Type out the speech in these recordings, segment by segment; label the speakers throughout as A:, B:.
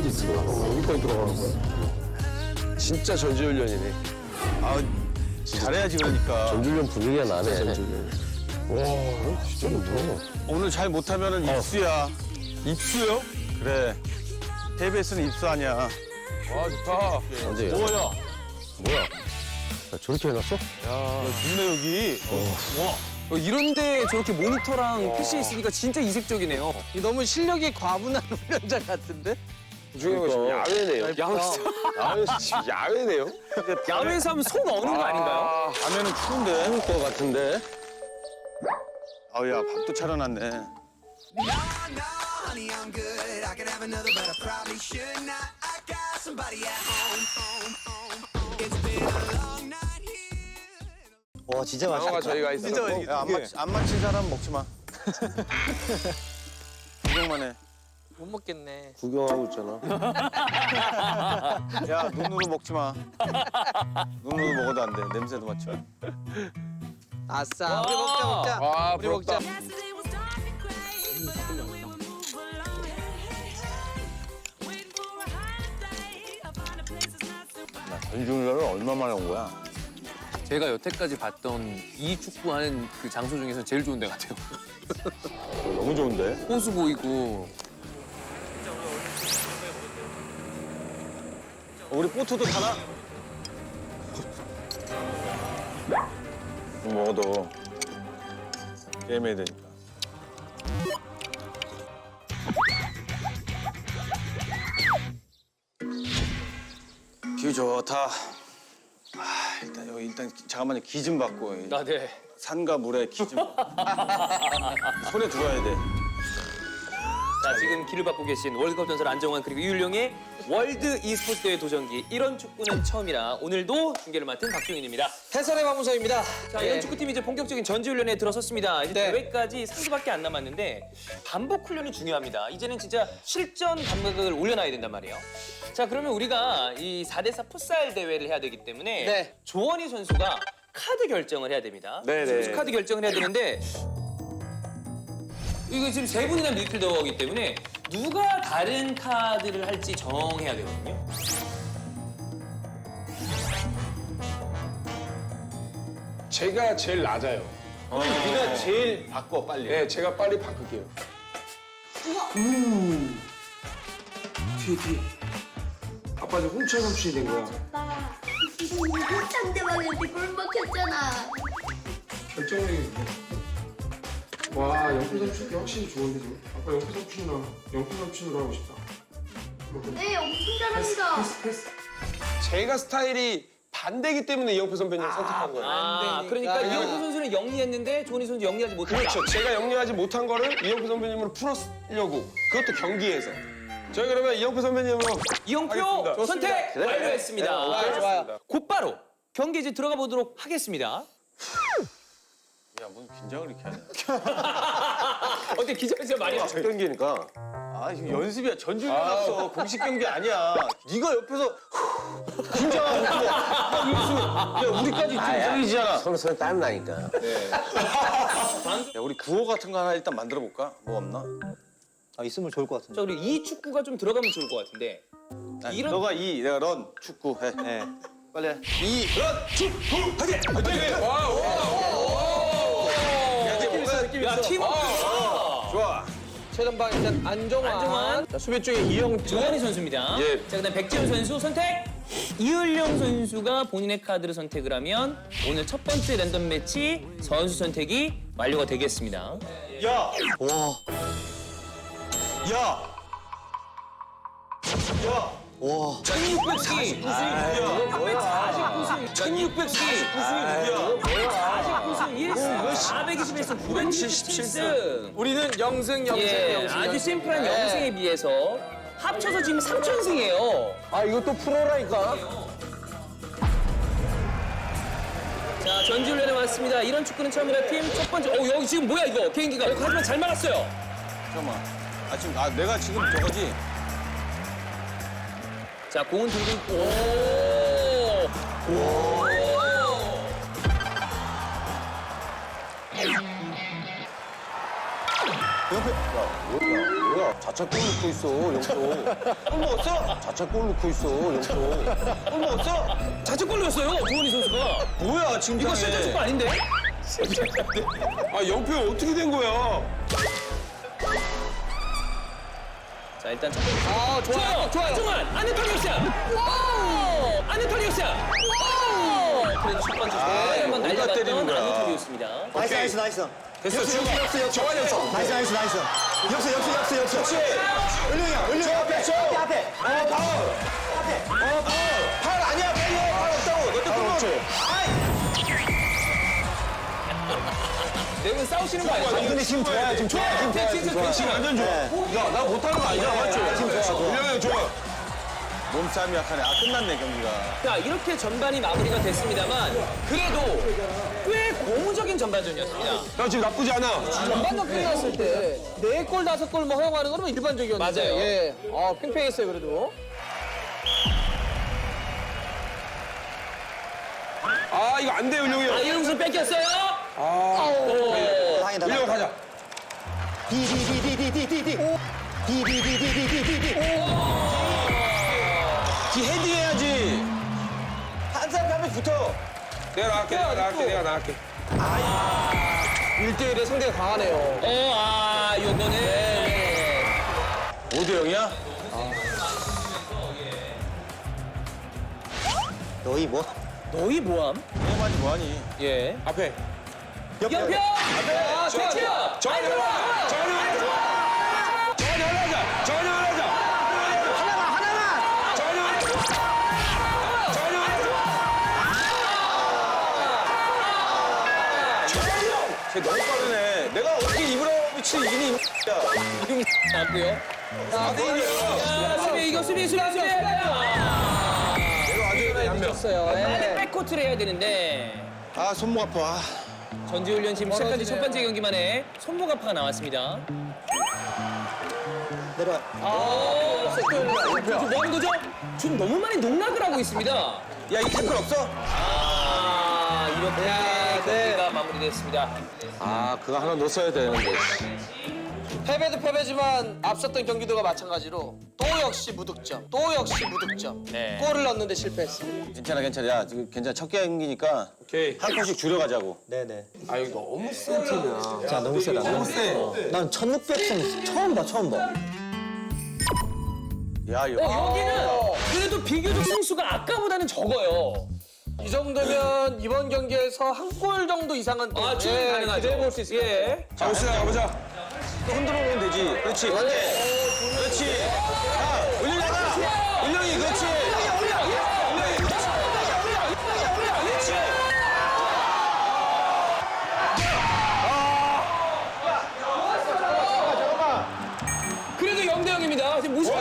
A: 여기까지 들어가는 거야. 진짜 전지훈련이네.
B: 아, 잘해야지 그러니까.
A: 전지훈련 분위기가 나네. 와, 진짜 좋다.
B: 오늘 잘 못하면은 입수야. 입수요? 그래. KBS는 입수 아니야.
A: 아, 좋다. 언제야?
B: 뭐야?
A: 뭐야? 야, 저렇게 해놨어?
B: 좋네 여기.
C: 이런데 저렇게 모니터랑 PC 있으니까 진짜 이색적이네요.
D: 너무 실력이 과분한 훈련장 같은데?
A: 중요한 건 야외네요. 지금 야외네요?
C: 야외에서 하면 손 어는 거 아닌가요?
B: 밤에는 추운데.
A: 추울 것 같은데?
B: 아우야 밥도 차려놨네.
E: honey, I'm good. I could have another, but I probably should not. I got somebody at home. It's been a long night here.
D: 와 진짜
A: 영화가 저희가 있었고.
B: 야, 안 맞힌 사람 먹지 마. 구경만 해.
D: 못 먹겠네.
A: 구경하고 있잖아.
B: 야 눈으로 먹지 마. 눈으로 먹어도 안 돼. 냄새도 맡지 마.
D: 아싸. 우리 먹자.
A: 와,
D: 우리 먹자.
F: Yesterday was dark and gray, but I know we would move along. Waiting for a higher day. I find a place that's not so bad.
B: 전지훈련을 얼마 만에 온 거야?
C: 제가 여태까지 봤던 이 축구하는 그 장소 중에서 제일 좋은 데 같아요.
B: 너무 좋은데?
C: 호수 보이고.
B: 우리 보트도 타나? 좀 먹어도 게임해야 되니까. 뷰 좋다. 아, 일단 잠깐만요. 기 좀 받고.
C: 아, 네.
B: 산과 물에 기 좀. 손에 들어야 돼.
C: 자, 지금 길을 받고 계신 월드컵 전설 안정환 그리고 이율령의 월드 e스포츠 대회 도전기 이런 축구는 처음이라 오늘도 중계를 맡은 박종인입니다.
D: 해설의 마무사입니다.
C: 자, 이런 축구팀이 이제 본격적인 전지훈련에 들어섰습니다. 이제
D: 네.
C: 대회까지 3주밖에 안 남았는데 반복 훈련이 중요합니다. 이제는 진짜 실전 감각을 올려놔야 된단 말이에요. 자, 그러면 우리가 이 4대4 풋살 대회를 해야 되기 때문에
D: 네.
C: 조원희 선수가 카드 결정을 해야 됩니다.
A: 네네.
C: 카드 결정을 해야 되는데 이거 지금 세 분이나 미드필더이기 때문에 누가 다른 카드를 할지 정해야 되거든요.
G: 제가 제일 낮아요.
B: 네가 제일 바꿔 빨리.
G: 네, 제가 빨리 바꿀게요. 뒤에. 아빠 지금 훔쳐 삼촌이 된 거야.
H: 아빠 상대방한테 골 먹혔잖아.
G: 결정력이 와, 영표 삼촌이 확실히 좋은데 지금. 아빠 영표 삼촌이랑 영표 삼촌으로 하고 싶다.
H: 네, 엄청 잘합니다.
G: 패스.
A: 제가 스타일이 반대기 때문에 이영표 선배님을 선택한 거예요.
C: 아, 그러니까 이영표 선수는 영리했는데 조원희 선수 영리하지 못했다.
A: 그렇죠. 제가 영리하지 못한 거를 이영표 선배님으로 풀으려고. 그것도 경기에서. 저희 그러면 이영표 선배님으로
C: 이영표
A: 하겠습니다.
C: 선택 완료했습니다.
D: 아, 좋아요.
C: 곧바로 경기 이제 들어가 보도록 하겠습니다.
B: 야, 뭔 긴장을 이렇게 하냐.
C: 어때 기자가 진짜 많이
A: 첫 경기니까.
B: 아, 지금 연습이야. 전지훈련 왔어. 공식 경기 아니야. 네가 옆에서 긴장하고 있고. 야, 우리까지 좀 이상해지잖아.
A: 서로 땀 나니까.
B: 야, 우리 구호 같은 거 하나 일단 만들어 볼까? 뭐 없나?
D: 아, 있으면 좋을 것 같은데.
C: 자, 그리고 이 축구가 좀 들어가면 좋을 것 같은데. 이런
B: 너가 이, 내가 런, 축구 해. 네. 빨리 해.
C: 야, 팀워크.
B: 좋아.
D: 최전방 일단 안정환.
C: 자, 수비 쪽에 이영표. 조원희 선수입니다.
A: 예.
C: 자, 그다음 백지훈 선수 선택. 이을령 선수가 본인의 카드를 선택을 하면 오늘 첫 번째 랜덤 매치 선수 선택이 완료가 되겠습니다.
B: 야! 와. 야! 야!
C: 1649승. 1649승. 1649승. 49승 1승. 421승 977승.
D: 우리는 영승.
C: 예, 아주 심플한 영승에 비해서 합쳐서 지금 3,000승이에요.
D: 아, 이거 또 프로라니까.
C: 자, 전지훈련에 왔습니다. 이런 축구는 처음이라 팀 첫 번째. 여기 지금 뭐야 이거 개인기가. 하지만 잘 막았어요.
B: 잠깐만. 내가 지금 저거지?
C: 자, 공은 들고 있고. 오.
B: 옆에, 야, 뭐야?
D: 뭐야? 자책골 넣고 있어, 영표.
B: 골 먹었어?
D: 자책골 넣고 있어, 영표.
B: 골 먹었어?
C: 자책골 넣었어요, 조원희 선수가.
B: 뭐야 지금
C: 이거 실전축구 아닌데?
A: 아 영표 어떻게 된 거야?
C: 자, 일단 첫 번째. 좋아요. 정말 안네토니오 샷. 와우! 안네토니오 샷. 와우! 그래도 첫 번째 한번
B: 뭔가 때리는
C: 날려봤던
B: 거야.
C: 안네토니오였습니다.
D: 나이스.
A: 됐어 지금 정환이 형.
D: 나이스. 역습. 은룡이 형. 앞에.
B: 팔 아니야 팔 없다고 너때 골 먹었지?
C: 네 분 싸우시는 거 아니죠?
D: 근데 지금 좋아요.
C: 진짜
A: 완전 좋아.
B: 야나 못하는 거 아니야 맞지?
A: 은영이 형 좋아.
B: 몸싸움이 약하네. 아 끝났네 경기가.
C: 자, 이렇게 전반이 마무리가 됐습니다만 그래도 꽤 고무적인 전반전이었습니다.
A: 나 지금 나쁘지 않아.
D: 전반전 끝났을 때 4골, 5골 뭐 허용하는 거는 일반적이었는데.
C: 맞아요.
D: 예. 팽팽했어요, 그래도.
A: 아 이거 안 돼 은영이 형.
C: 이름수 뺏겼어요?
D: 다행이다.
A: 은영 가자.
B: 뒤 헤딩해야지. 한 사람 하면 붙어.
A: 내가 나갈게.
D: 1대1에 상대가 강하네요.
C: 요거는
B: 5대 0이야?
D: 너희 뭐?
C: 너희 모함?
B: 게임하지 뭐하니?
C: 예.
A: 앞에.
C: 연평! 최치엽!
A: 정환이 올라가자. 정환이 올라가자. 정환이 올라가자.
B: 쟤 너무 빠르네. 내가 어떻게 이브라이모비치 이기니 이 야.
C: 이름이 나왔고요. 4대1이요. 수비. 백코트를 해야 되는데
B: 아 손목 아파.
C: 전지훈련 지금 시작한 지 첫 번째 경기만에 손목 아파가 나왔습니다.
D: 내려와.
C: 지금 뭐 하는 거죠? 지금 너무 많이 농락을 하고 있습니다.
B: 야 이 태클 없어?
C: 이렇게 경기가 마무리됐습니다.
B: 아 그거 하나 넣었어야 되는데.
D: 패배도 패배지만 앞섰던 경기도가 마찬가지로 또 역시 무득점.
C: 네.
D: 골을 넣는데 실패했습니다.
B: 괜찮아. 야 지금 괜찮아. 첫 경기니까
A: 오케이.
B: 한 컷씩 줄여가자고.
D: 네네.
A: 아 이거 너무 센 팀이야.
D: 자, 너무 세다. 너무 세. 난 1600승 처음 봐.
B: 야 이거.
C: 여기는 그래도 비교적 승수가 아까보다는 적어요.
D: 이 정도면 이번 경기에서 한 골 정도 이상은
C: 충분히 가능하죠.
D: 기대해 볼 수 있을 것 같아요.
A: 자 오시나 가보자.
B: 또 흔들어 놓으면 되지. 그렇지. 그렇지. 야 은영이 나가. 은영이 그렇지.
C: 그래도 0대 0입니다. 지금 무슨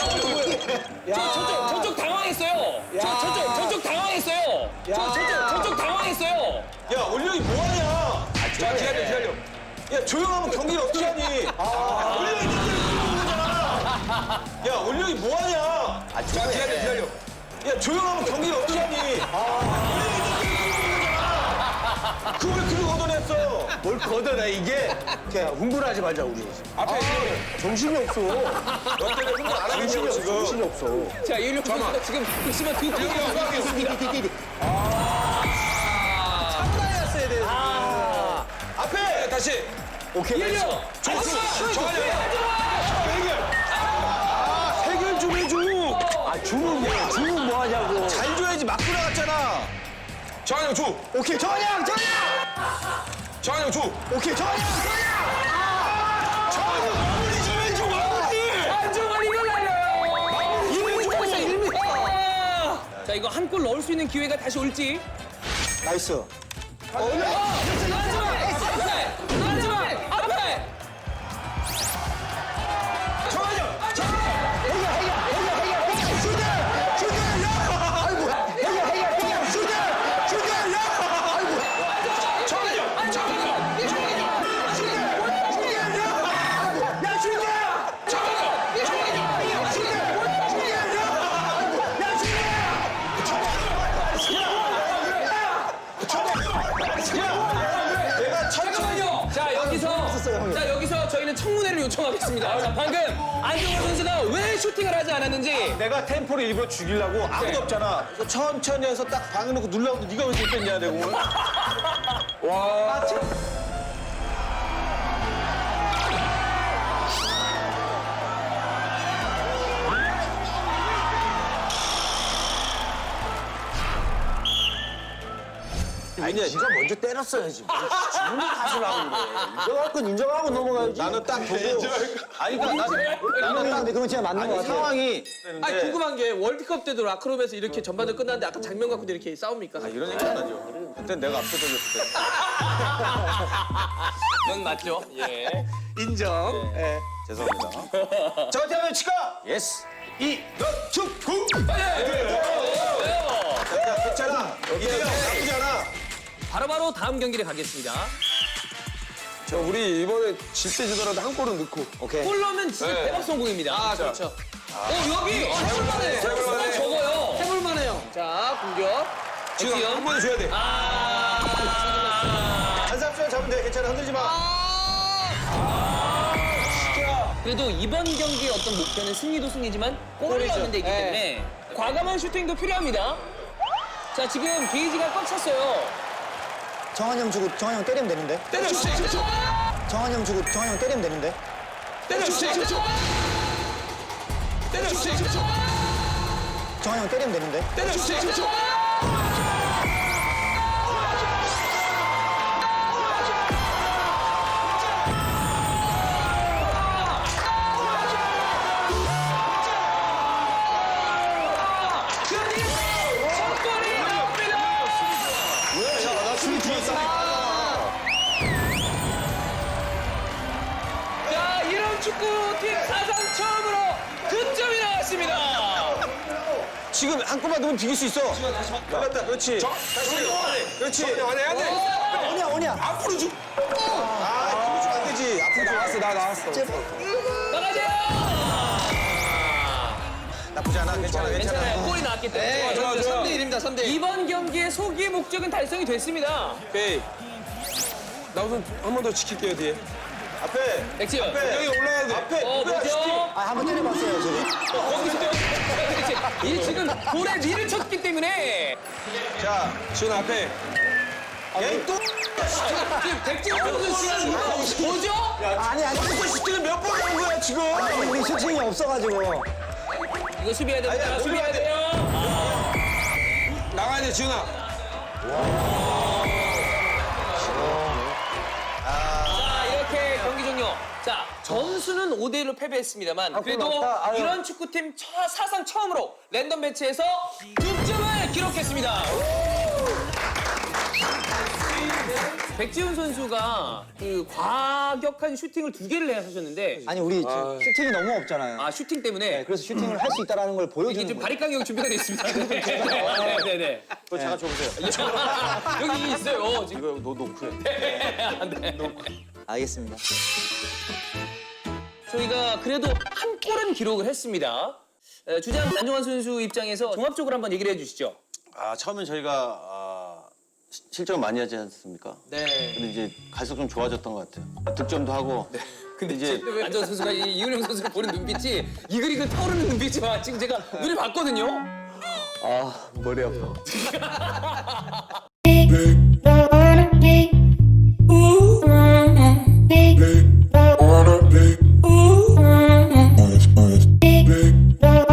C: 저쪽 당황했어요. 저쪽 당황했어요. 저쪽 당황했어요.
B: 야 은영이 뭐하냐?
A: 자 기다려.
B: 야 조용하면 경기를 어떻게 하니? 은영이 뛰는 거잖아. 야 은영이 뭐하냐?
A: 자 기다려.
B: 야 조용하면 경기를 어떻게 하니? 그걸 그거 걷어냈어.
D: 뭘 걷어내 이게? 그냥 흥분하지 말자 우리.
A: 앞에
D: 정신이 없어.
A: 너 때문에 흥분 안 하겠냐고 지금.
D: 정신이 없어.
C: 자, 이윤용 선수가 지금 극심한 두 골을
D: 띠띠띠띠.
A: 앞에 다시.
D: 오케이.
C: 이윤용!
A: 해결 좀 해줘.
D: 주문 뭐 하냐고.
B: 잘 줘야지 막 들어갔잖아.
A: 정환이 형 줘.
D: 오케이 전형.
A: 정환이 형 줘.
D: 오케이 전형.
A: 마무리 좀 해줘 마무리.
C: 안정환 이걸 날려요! 1m. 자, 이거 한 골 넣을 수 있는 기회가 다시 올지.
D: 나이스.
C: 안정환! 앞에!
B: 내가
C: 궁금하겠습니다. 자, 방금 안정환 선수가 왜 슈팅을 하지 않았는지.
B: 내가 템포를 일부러 죽이려고 아무도 없잖아. 그래서 천천히 해서 딱 방해놓고 누르려고 네가 왜 죽겠냐 내 공을.
A: 와.
B: 아니 네가 먼저 때렸어야지. 지금 탓을 하고 그래. 인정할 건 인정하고 넘어가야지. 나는 딱 보고. 아니 그러니까 나는 딱 그건 진짜 맞는 거 같아. 상황이.
D: 아니 궁금한 게 월드컵 때도 라크롬에서 이렇게 전반전 끝났는데 아까 장면 갖고도 이렇게 싸웁니까?
B: 이런 얘기 안 하죠. 그때 내가 압도적이었을 때.
C: 그건 맞죠. 예.
D: 인정. 예.
B: 죄송합니다. 저한테 하면 치과. 예스. 이너축구. 괜찮아. 이대요. 나쁘지 않아.
C: 바로바로 다음 경기를 가겠습니다.
A: 저 우리 이번에 질 때 지더라도 한 골은 넣고.
B: 오케이.
C: 골 넣으면 진짜
A: 네.
C: 대박 성공입니다.
D: 아 그렇죠.
C: 여기 해볼만해.
A: 해볼만해.
C: 적어요.
D: 해볼만해요. 자 공격.
A: 지금 한 번에 줘야 돼.
B: 한삼수만 잡으면 돼. 괜찮아. 흔들지 마.
C: 그래도 이번 경기의 어떤 목표는 승리도 승리지만 골을 넣는 데이기 때문에 과감한 슈팅도 필요합니다. 자, 지금 게이지가 꽉 찼어요.
I: 정한 형 주고 정한 형 때리면 되는데.
A: 때려 주세요.
I: 정한 형 주고 정한 형 때리면 되는데.
A: 때려 주세요. 때려 주세요.
I: 정한 형 때리면 되는데.
A: 때려 주세요.
C: 자, 이런 축구팀 사상 처음으로 득점이 나왔습니다.
B: 지금 한 골만 넣으면 비길 수 있어. 걸렸다. 그렇지. 그렇지.
A: 안해 안 돼.
I: 오냐 오냐.
A: 앞으로 주.
B: 아, 이거 주면 안 되지. 앞으로
A: 나왔어 나 나왔어.
C: 나가세요.
B: 나쁘지 않아. 괜찮아.
C: 괜찮아요. 골이 나왔기 때문에.
A: 좋아, 좋아.
D: 3대 1입니다. 3대 1.
C: 이번 경기의 소기의 목적은 달성이 됐습니다.
A: 오케이. 나 우선 한 번 더 지킬게요 뒤에.
B: 앞에.
C: 백지현.
A: 여기 올라가야 돼.
B: 앞에.
C: 뭐죠?
I: 아 한번 때려봤어요 지금.
C: 거기서 그렇지. 이 지금 볼에 니를 쳤기 때문에
B: 자,
A: 지훈 앞에.
B: 얘 또.
C: 지금 백지현 선수 지금 이거 뭐죠?
I: 아니 아니.
B: 슈팅을 몇 번 넣은 거야 지금?
I: 우리 슈팅이 없어가지고.
C: 이거 수비해야 됩니다. 수비해야 돼요.
A: 나가야 돼 지훈아.
C: 자, 이렇게 경기 종료. 자, 점수는 5대1로 패배했습니다만 그래도
I: 났다. 아유.
C: 이런 축구팀 사상 처음으로 랜덤 매치에서 득점을 기록했습니다. 백지훈 선수가 그 과격한 슈팅을 2개를 하셨는데
I: 아니 우리 지금 슈팅이 너무 없잖아요.
C: 아, 슈팅 때문에
I: 그래서 슈팅을 할 수 있다라는 걸
C: 이게
I: 보여주는
C: 지금
I: 거예요.
C: 바리 간격 준비가 되어 있습니다. 네네네.
B: 그거 잠깐 줘보세요.
C: 여기 있어요. 지금.
B: 이거 너 노크해.
I: 알겠습니다.
C: 저희가 그래도 한 골은 기록을 했습니다. 주장 안정환 선수 입장에서 종합적으로 한번 얘기를 해주시죠.
B: 아, 처음엔 저희가 실점을 많이 하지 않습니까?
C: 네.
B: 근데 이제 갈수록 좀 좋아졌던 것 같아요. 득점도 하고. 근데 이제
C: 안정환 선수가 이은영 선수를 보는 눈빛이 이글이글 타오르는 눈빛이 막 지금 제가 눈에 봤거든요.
I: 아 머리 아파.
E: Big